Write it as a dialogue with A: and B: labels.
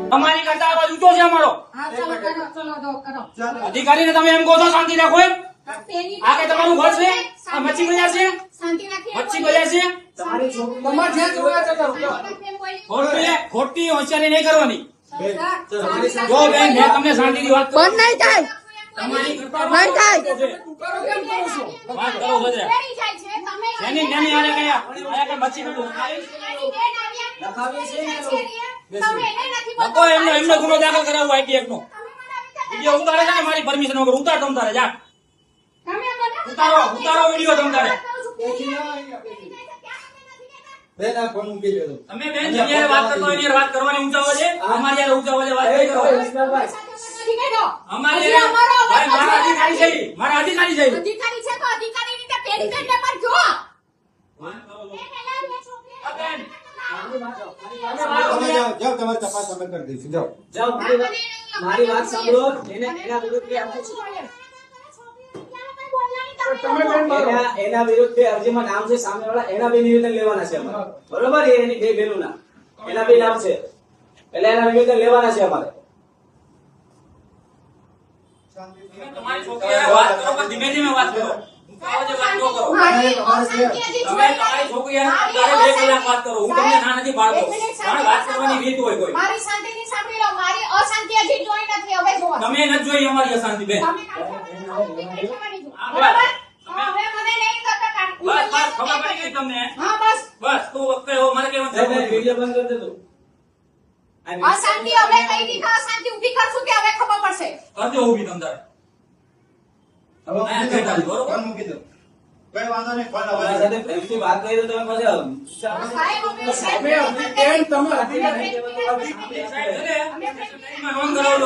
A: અમારી કરતા અવાજ ઊંચો છે અમારો.
B: હા ચલો કરો.
A: અધિકારીને તમે એમ કહો છો શાંતિ રાખો એમ? આ કે તમારું ઘર છે? આ મચ્છી બજાર છે?
B: શાંતિ રાખીએ.
A: મચ્છી બજાર છે?
C: તમારી છોકરી તમારે જ્યાં જોવા જતા
A: ખોટી હોશિયારી નહીં કરવાની.
B: શાંતિ
A: જો બેન મેં તમને શાંતિથી વાત કરી.
D: બંધ નહીં થાય.
A: તમારી કરતા
D: નહીં થાય.
A: વાત કરો ભદ્રા. એની નાની આને કયા આયા કે મચ્છી નતું નકો એમનો ગુનો દાખલ કરાવવો આઈટી નો વિડિયો ઉતારે છે ને મારી પરમિશન વગર ઉતાર તમ તારે જા ઉતારો વિડિયો તમ તારે
C: બેન આ ફોન મૂકી દેજો.
A: તમે બેન જયારે વાત કરતો હોય એની વાત કરવાની ઊંચા અવાજે અમારી યાર ઊંચા અવાજે વાત નહીં કરો અમારી યાર ભાઈ મારા અધિકારી છે મારા અધિકારી છે
B: અધિકારી છે તો અધિકારી રીતે પેડી કરીને પર જો
A: આ બેન
C: તમે જાઓ તમારી તપાસ અમે કરી દઈશું જાઓ.
E: જાઓ મારી વાત સાંભળો. એના વિરુદ્ધ એના વિરુદ્ધ બે અરજીમાં નામ છે સામેવાળા એના બે નિવેદન લેવાના છે અમારે. બરોબર એ એની બે બહેનોના એના બે નામ છે એટલે એના નિવેદન લેવાના છે અમારે.
A: તમારી છોકરી વાત કરો પણ ધીમે ધીમે વાત કરો ઊંચા અવાજે વાત ન કરો તમે તમારી છોકરી તારે 2 કલાક વાત કરો હું તમને ના નથી પાડતો પણ વાત કરવાની રીત હોય કોઈ
B: મારી શાંતિથી સાંભળી લો મારી અશાંતિ હજી જોઈ નથી હવે જો
A: તમે ન જોઈ અમારી અશાંતિ બેન
B: તમે બરાબર હવે મને નહીં કરતા
A: બસ ખબર પડી ગઈ તમને
B: હા બસ
A: બસ તું વખતે હો મારે કેવું છે
E: વિડીયો બંધ કરી દેજો.
B: અશાંતિ હવે કઈ દીધા અશાંતિ ઊભી કરશું કે હવે ખબર પડશે
A: કરજો ઊભી તમ તારે
C: ફોન મૂકી દો. કઈ વાંધો નહીં ફોન
E: તમારા
C: આવે.
E: સાથે પ્રેમથી વાત કરી તો તમે પછી
B: સાહેબ અમે
C: તમે અધિકારી
A: નોંધ કરાવો